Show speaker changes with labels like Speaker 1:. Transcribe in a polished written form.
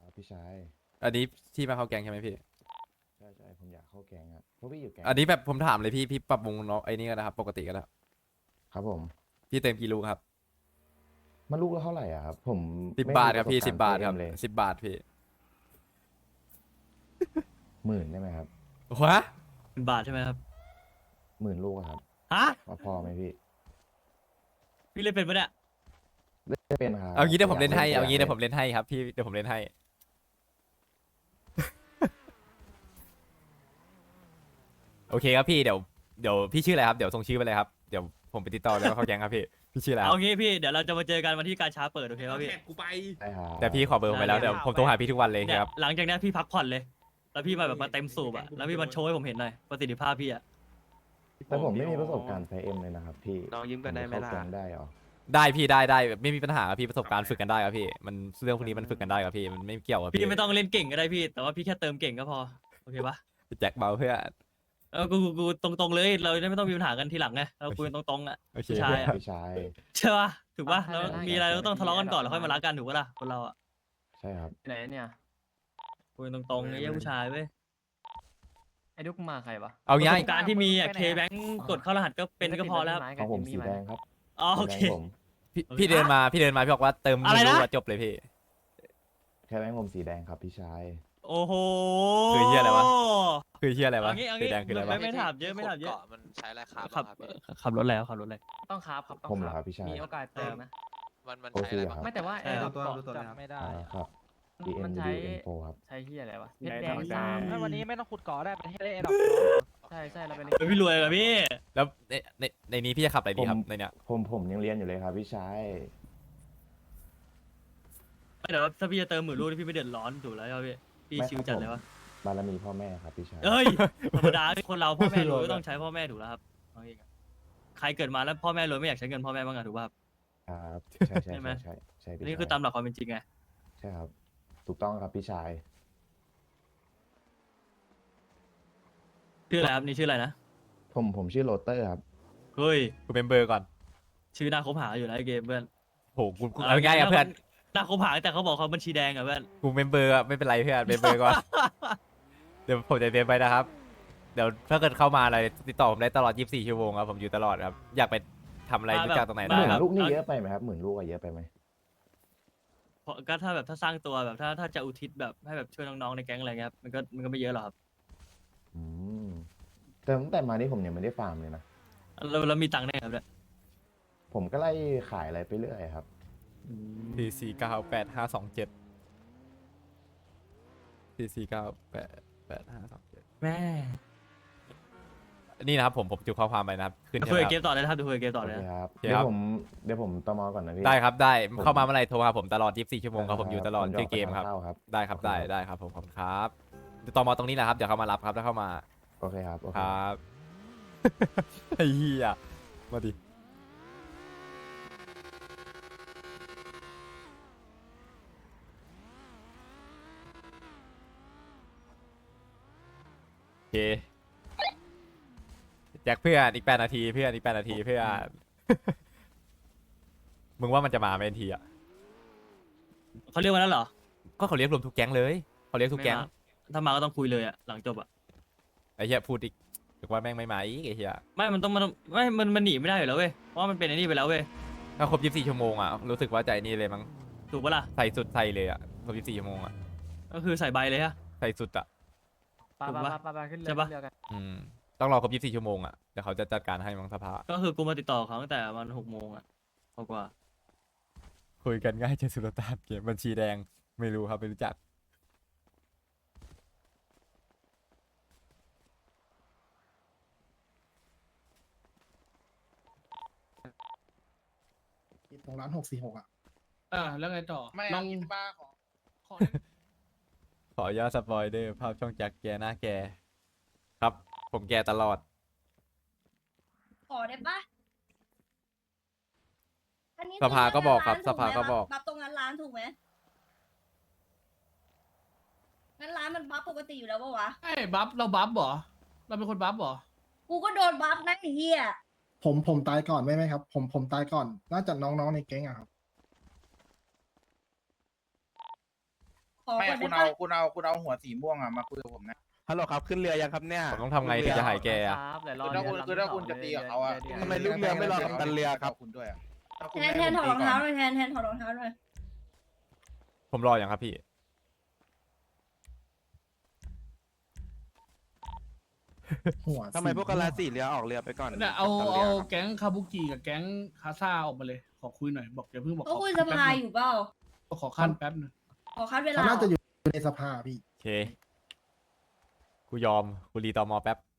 Speaker 1: ครับพี่ชาย
Speaker 2: อันนี้ที่มาเข้าแกงใช่ไหมพี่
Speaker 1: ใช่ใช่ผมอยากเข้าแก๊งอ่ะพวกพี่อยู่แก๊ง
Speaker 2: อันนี้
Speaker 1: อะไร
Speaker 2: แบบผมถามเลยพี่ปรับวงเนาะไอ้นี่ก็นะครับปกติก็ได้
Speaker 1: ครับผม
Speaker 2: พี่เติมกี่ลูกครับ
Speaker 1: มันลูกละเท่าไหร่อ่ะครับผม
Speaker 2: สิบ
Speaker 1: ไม่
Speaker 2: บาทครับ
Speaker 1: มีประสบการณ์
Speaker 2: พี่สิบบาท
Speaker 1: เอ็มเลย
Speaker 2: ครับ10 บาทพี่
Speaker 1: 10,000ได้ไหมครับ
Speaker 2: วะ
Speaker 3: เป็นบาทใช่ไหมครับ
Speaker 1: 10,000 ลูกอะครับ
Speaker 3: ฮะ
Speaker 1: ว่าพอไหมพี่
Speaker 3: พี่เล่นเป็นปะเนี่ย
Speaker 1: ไม่เป็นครับ
Speaker 2: เอางี้เดี๋ยว
Speaker 1: แต่
Speaker 2: ผมเล่นให้เอางี้เดี๋ยวผม
Speaker 1: เล่น
Speaker 2: เล่นให้ครับพี่เดี๋ยวผมเล่นให้โอเคครับพี่เดี๋ยวพี่ชื่ออะไรครับเดี๋ยวส่งชื่อไปเลยครับเดี๋ยวผมไปติดต่อแล้วเข้าแกงครับพี่ชื่ออะไรค
Speaker 3: เอา
Speaker 2: รับ
Speaker 3: งี้พี่เดี๋ยวเราจะมาเจอกันวันที่การช้าเปิดโอเคป่ะพี่
Speaker 4: แท็กกูไป
Speaker 1: ได้ครับ
Speaker 2: แต่พี่ขอเบอร์ผมไปแล้วเดี๋ยวผมโทรหาพี่ทุกวันเลย
Speaker 3: เนี่ย
Speaker 2: ครับ
Speaker 3: หลังจากนี้พี่พักผ่อนเลย แล้วพี่มาแบบมาเต็มสูบอะแล้วพี่มาโชว์ให้ผมเห็นหน่อยประสิทธิภาพพี่อะ
Speaker 1: แต่ผมไม่มีประสบการณ์ไฟเอ็มเลยนะครับพี่
Speaker 4: น้องยิ้มกันได้ไหมล่ะ
Speaker 1: เข้าแก๊งได้เหรอ
Speaker 2: ได้พี่ได้ไม่มีปัญหาครับพี่ประสบการณ์ฝึกกันได้ครับพี่มันเรื่องพวกนี้มันฝึกกันได้ครับพี่มันไม่เกี่ยวกับ
Speaker 3: พี่ไม่ต้องเล่นเก่งก็ได้พี่ แต่ว่าพี่แค่เติมเก่งก็พอโอเคปะ
Speaker 2: แจ็คเบาเพื่อ
Speaker 3: กูตรงๆเลยเราจะไม่ต้องมีปัญหากันทีหลังไงเราคุยกันตรงๆอะ
Speaker 2: โอเค
Speaker 3: ผู้ชายอะ
Speaker 1: พี่ชาย
Speaker 3: ใช่ปะถูกปะแล้วมีอะไรเราก็ต้องทะเลาะกันก่อนแล้วค่อยมารักกันถูกปะล่ะคนเราอะ
Speaker 1: ใช่ครับ
Speaker 5: ไหนเนี่ย
Speaker 3: คุยกันตรงๆไอ้เหี้ยผู้ชายเว้ย
Speaker 5: ไอ้ดุกมาใครวะ
Speaker 2: เอา
Speaker 3: ประ
Speaker 2: ง่า
Speaker 3: ส
Speaker 2: ย
Speaker 3: บการณ์ที่มีอะเคแบงกดเข้ารหัสก็เป็นก็พอแล้วครับ
Speaker 1: ของผมสีแดงครับ
Speaker 3: อ๋อโอเค
Speaker 1: แบงค์ผม
Speaker 2: พี่เดินมาพี่บอกว่าเติม
Speaker 3: อะไรนะ
Speaker 2: รู้ว่าจบเลยพี่
Speaker 1: แค่แบงค์ผมสีแดงครับพี่ชาย
Speaker 3: โอ้โห
Speaker 2: คือเหี้ยอะไรวะ คือเฮียอะไรวะ
Speaker 3: เอางี้
Speaker 2: สีแดงคืออะไรวะ
Speaker 3: ไม่ถามเยอะไม่ถามเยอะ
Speaker 4: เกาะมันใช้อะไรครับ
Speaker 3: ขับ
Speaker 4: ครับพี่
Speaker 3: ขับรถแล้วขับรถเลย
Speaker 5: ต้องครับครับต้อง
Speaker 1: ผมเหรอครับพี่ชาย
Speaker 5: มีโอกาสเติมนะ
Speaker 4: มัน
Speaker 1: โอ
Speaker 4: ใช้
Speaker 1: เค
Speaker 4: อะไร
Speaker 1: ครั
Speaker 4: บ้าง
Speaker 1: บ
Speaker 5: ไม่แต่ว่า
Speaker 3: ใช่
Speaker 5: ไอ้
Speaker 3: ครับ
Speaker 5: เกาะ
Speaker 6: ตัวนี้ไม่ได้
Speaker 1: ครับ
Speaker 5: มัน
Speaker 1: DMU
Speaker 5: ใช้
Speaker 1: Info ครับ
Speaker 5: ใช้ที่อะไรวะเพชร
Speaker 6: ได้
Speaker 5: แดง
Speaker 6: ได้
Speaker 5: สาม
Speaker 6: ได้
Speaker 7: วันนี้ไม่ต้องขุดเกาะได้ประเทศเล่นดอก
Speaker 5: ใช่ใช่เราเป็น
Speaker 3: เฮ้ยพี่รวยเหรอพี่
Speaker 2: แล้วในนี้พี่จะขับอะไรดีครับในเนี้ย
Speaker 1: ผมยังเรียนอยู่เลยครับพี่ชาย
Speaker 3: ไม่เดี๋ยวถ้าพี่จะเติม10,000 ลูกนี่พี่ไม่เดือดร้อนถูกแล้วใช่ไหมพี่พี่
Speaker 1: ไม่
Speaker 3: ชิว
Speaker 1: ครับ
Speaker 3: จัดเลยวะ
Speaker 1: บารมีพ่อแม่ครับพี่ชาย
Speaker 3: เอ้ยธรรมดาคนเราพ่อแม่รวยก็ต้องใช้พ่อแม่ถูกแล้วครับเอางี้ใครเกิดมาแล้วพ่อแม่รวยไม่อยากใช้เงินพ่อแม่บ้างอะถูกป่ะครับ
Speaker 1: ครับใช่ใช่
Speaker 3: ใช่ไหม
Speaker 1: ใช่ใช่พี่
Speaker 3: นี่
Speaker 1: ชาย
Speaker 3: คือตามหลักความเป็นจริงไง
Speaker 1: ใช่ครับ ถูกต้องครับพี่ชาย
Speaker 3: ชื่ออะไรครับนี่ชื่ออะไรนะ
Speaker 1: ผมชื่อโรเตอร์ครับ
Speaker 3: เฮ้ย
Speaker 2: กูเป็นเบอร์ก่อน
Speaker 3: ชื่อน่าคบหาอยู่นะไอ้เกมเพื่อน
Speaker 2: โหกูเอาง่ายอะเพื่อน
Speaker 3: น่าคบหาแต่เขาบอกเขาบัญชีแดงอะเพื่อน
Speaker 2: กูเป็นเบอร์อะไม่เป็นไรเพื่อนเป็นเบอร์ก่อน เดี๋ยวผมจะเตรียมไปนะครับ เดี๋ยวถ้าเกิดเข้ามาอะไรติดต่อผมได้ตลอด 24 ชั่วโมงครับผมอยู่ตลอดครับ อยากไปทำอะไรรู้จักตรงไหน
Speaker 1: ห
Speaker 2: ได้
Speaker 1: มื่น
Speaker 2: ครับ
Speaker 1: ลูกนี่เยอะไปไหมครับ10,000 ลูกอะเยอะไปไหม
Speaker 3: เพราะก็ถ้าแบบถ้าสร้างตัวแบบถ้าจะอุทิศแบบให้แบบช่วยน้องๆในแก๊งอะไรเงี้ยครับมันก็ไม่เยอะหรอกครับ
Speaker 1: อืมแต่ตั้งแต่มานี่ผมยังไม่ได้ฟาร์มเลยนะ
Speaker 3: แล้วมีตังค์ได้ไงครับเนี่ย
Speaker 1: ผมก็ไล่ขายอะไรไปเรื่อยครับ
Speaker 2: 4498527 4498527
Speaker 3: แม่
Speaker 2: นี่นะครับผมจุข้อความไปนะครับขึ้นใช่
Speaker 3: คุ
Speaker 2: ไห
Speaker 3: ย
Speaker 2: ม
Speaker 3: กับเก
Speaker 2: ครับ
Speaker 3: มต่อเลยนะครับคุยกับเกมต่อ
Speaker 1: โอ
Speaker 3: เลย
Speaker 1: เค
Speaker 3: นะครับ
Speaker 1: ครับ
Speaker 2: โอเคครับ
Speaker 1: เดี๋ยวผมตมก่อนนะพี่
Speaker 2: ได้ครับได้
Speaker 1: ผม
Speaker 2: เข้ามาเมื่อไหร่โทรหาผมตลอด 24 ชั่วโมงครับผมอยู่ตลอด
Speaker 1: ผมจะ
Speaker 2: ชื่อเกมครับ
Speaker 1: ไปทานข้าวครับ
Speaker 2: ได้ครับ
Speaker 1: โอเค
Speaker 2: ได้ครับผมขอบคุณครับเดี๋ยวต่อมาตรงนี้แหละครับเดี๋ยวเขามารับครับถ้าเข้ามา
Speaker 1: โอเคครับ โอเค
Speaker 2: ครับ ไอ้เหี้ยมาดิโอเคแจ็คเพื่อนอีก8 นาทีเพื่อนอีก8 นาทีเพื่อน มึงว่ามันจะมาไหมทีอ่ะ
Speaker 3: เขาเรียกว่านั้นเหรอ
Speaker 2: ก็เขาเรียกรวมทุกแก๊งเลยเขาเรียกทุกแก๊ง
Speaker 3: ไม่มาถ้ามาก็ต้องคุยเลยอะหลังจบอะ
Speaker 2: ไอ้เหี้ยพูดอีกถึงว่าแม่งไม่มาอีกไอ้เหี้ย
Speaker 3: ไม่มันต้องมันหนีไม่ได้อยู่แล้วเว้ยเพราะว่ามันเป็นไอ้นี่ไปแล้วเว้ย
Speaker 2: ถ้าครบ 24 ชั่วโมงอ่ะรู้สึกว่าใจนี่เลยมั้ง
Speaker 3: ถูกปะล่ะ
Speaker 2: ใส่สุดใส่เลยอ่ะครบ 24 ชั่วโมงอ่ะ
Speaker 3: ก็คือใส่ใบเลยฮะ
Speaker 2: ใส่สุดอ่ะ
Speaker 5: ปะ
Speaker 3: ถูก
Speaker 5: ปะ
Speaker 3: ปะ
Speaker 5: ปะปะขึ้นเรื
Speaker 3: ใช่
Speaker 5: อ
Speaker 3: ปะ
Speaker 5: ขึ้นเรือกัน
Speaker 2: อืมต้องรอครบ 24 ชั่วโมงอ่ะเดี๋ยวเขาจะจัดการให้มั้งสภา
Speaker 3: ก็คือกูมาติดต่อเขาตั้งแต่วัน6 โมงอะกว่า
Speaker 2: คุยกันง่ายเจนสุลต่านเกมบัญชีแดงไม่รู้ครับไม่รู้จัก
Speaker 8: ตรงร้าน646อ่ะ
Speaker 6: แล้วไงต่อ
Speaker 8: ไม่
Speaker 6: น้อง
Speaker 8: บ้าขอ
Speaker 2: ขออนุญาตสปอยเดอร์ภาพช่องแจ็คแกหน้าแกครับผมแกตลอด
Speaker 9: ขอได้ปะอันนี้
Speaker 2: สภาก็บอกครับ
Speaker 9: ถู
Speaker 2: ส
Speaker 9: ไหม
Speaker 2: ภาก็บอก
Speaker 9: บัฟตรงนั้นร้านถูกไหมงั้นร้านมันบัฟปกติอยู่แล้วปะวะ
Speaker 6: ไอ้บัฟเราบัฟเหรอ เราเป็นคนบัฟเหรอ
Speaker 9: กูก็โดนบัฟนะไอ้เหี้ย
Speaker 8: ผมตายก่อนไหมครับ ผมตายก่อน น่าจะน้องๆในแก๊งอะครับ
Speaker 9: ขอขอ
Speaker 10: ไม่
Speaker 9: ก่อน
Speaker 10: คุ
Speaker 9: ได้
Speaker 10: ณ
Speaker 9: ปะ
Speaker 10: เอาหัวสีม่วงอ่ะมาคุยกับผมนะ
Speaker 4: ฮัลโหลครับขึ้นเรือยังครับเนี่ย
Speaker 2: ผมต้องทำไงถึงจะหายแกอะ
Speaker 5: ครับแต่รอ
Speaker 10: คือถ้าคุณจะตีกับเขาอ่ะ
Speaker 4: ทำไมลูกเรือไม่รอกัปตันเรือครับ
Speaker 10: คุณด้วยอ่ะถ้าคุณ
Speaker 9: แทน
Speaker 10: ไม่
Speaker 9: แทนถอดรองเท้าห
Speaker 10: ให้
Speaker 9: น่อยแทนถอดรองเท้าหน่อย
Speaker 2: ผมรออย่างครับพี่
Speaker 8: หัว
Speaker 4: ทำไมพวกกะลาสีเรือออกเรือไปก่อน
Speaker 6: เนี่ยเอา
Speaker 4: กัปตัน
Speaker 6: เอา
Speaker 4: รือครับ
Speaker 6: แก๊งคาบุกิกับแก๊งคาซ่าออกมาเลย ขอคุยหน่อยบอกอย่าเพิ่งบอก
Speaker 9: ก็คุยสภาอยู่เปล่า
Speaker 6: ขอขั้นแป๊บหนึง
Speaker 9: ขอคัดเวลา
Speaker 8: เขาน่าจะอยู่ในสภาพี่
Speaker 2: โอเค กูยอม กูรีตอมอแป๊บ